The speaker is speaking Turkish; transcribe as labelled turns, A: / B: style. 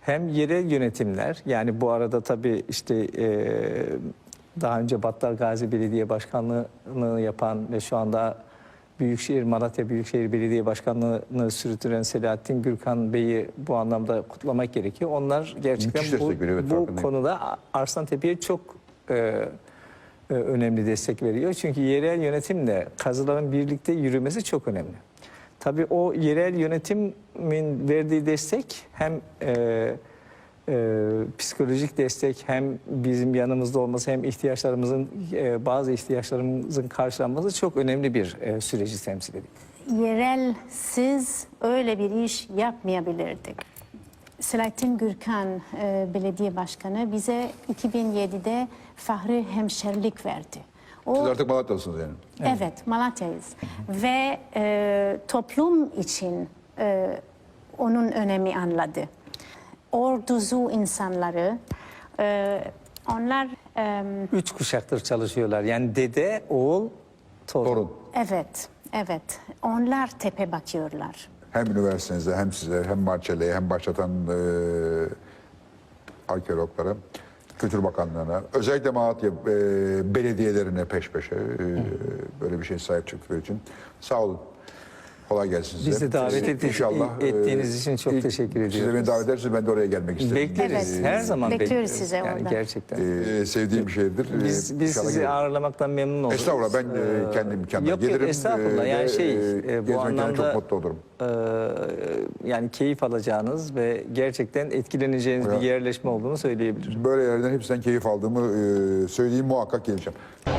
A: hem yerel yönetimler, yani bu arada tabii işte daha önce Battal Gazi Belediye Başkanlığı'nı yapan ve şu anda Malatya Büyükşehir Belediye Başkanlığı'nı sürdüren Selahattin Gürkan Bey'i bu anlamda kutlamak gerekiyor. Onlar gerçekten bu konuda Arslantepe'ye çok önemli destek veriyor. Çünkü yerel yönetimle kazıların birlikte yürümesi çok önemli. Tabii o yerel yönetimin verdiği destek hem psikolojik destek, hem bizim yanımızda olması, hem bazı ihtiyaçlarımızın karşılanması çok önemli bir süreci temsil ediyor.
B: Yerelsiz öyle bir iş yapmayabilirdik. Selahattin Gürkan Belediye Başkanı bize 2007'de Fahri Hemşerilik verdi.
C: Siz artık Malatyalısınız yani.
B: Evet, Malatya'yız. Ve toplum için onun önemi anladı. Orduzu insanları, onlar...
A: 3 kuşaktır çalışıyorlar. Yani dede, oğul, torun.
B: Evet, evet. Onlar tepe bakıyorlar.
C: Hem üniversitenizde, hem size, hem Marçele'ye, hem başlatan arkeologlara, Kültür Bakanlığı'na, özellikle Malatya belediyelerine peş peşe böyle bir şey sahip çıktıkları için sağ olun. Kolay gelsin size.
A: Biz de davet ettiğiniz için çok teşekkür ediyoruz.
C: Siz de beni davet ederseniz ben de oraya gelmek isterim.
A: Bekleriz.
B: Evet.
A: Her zaman
B: Bekliyoruz size
A: yani
B: orada.
A: gerçekten.
C: Sevdiğim bir şeydir.
A: Biz sizi ağırlamaktan memnun oluruz.
C: Estağfurullah, ben kendi imkanlarım gelirim.
A: Yok, estağfurullah. Yani bu anlamda
C: çok mutlu olurum.
A: Yani keyif alacağınız ve gerçekten etkileneceğiniz bir yerleşme olduğunu söyleyebilirim.
C: Böyle yerlerden hepsinden keyif aldığımı söyleyeyim, muhakkak geleceğim.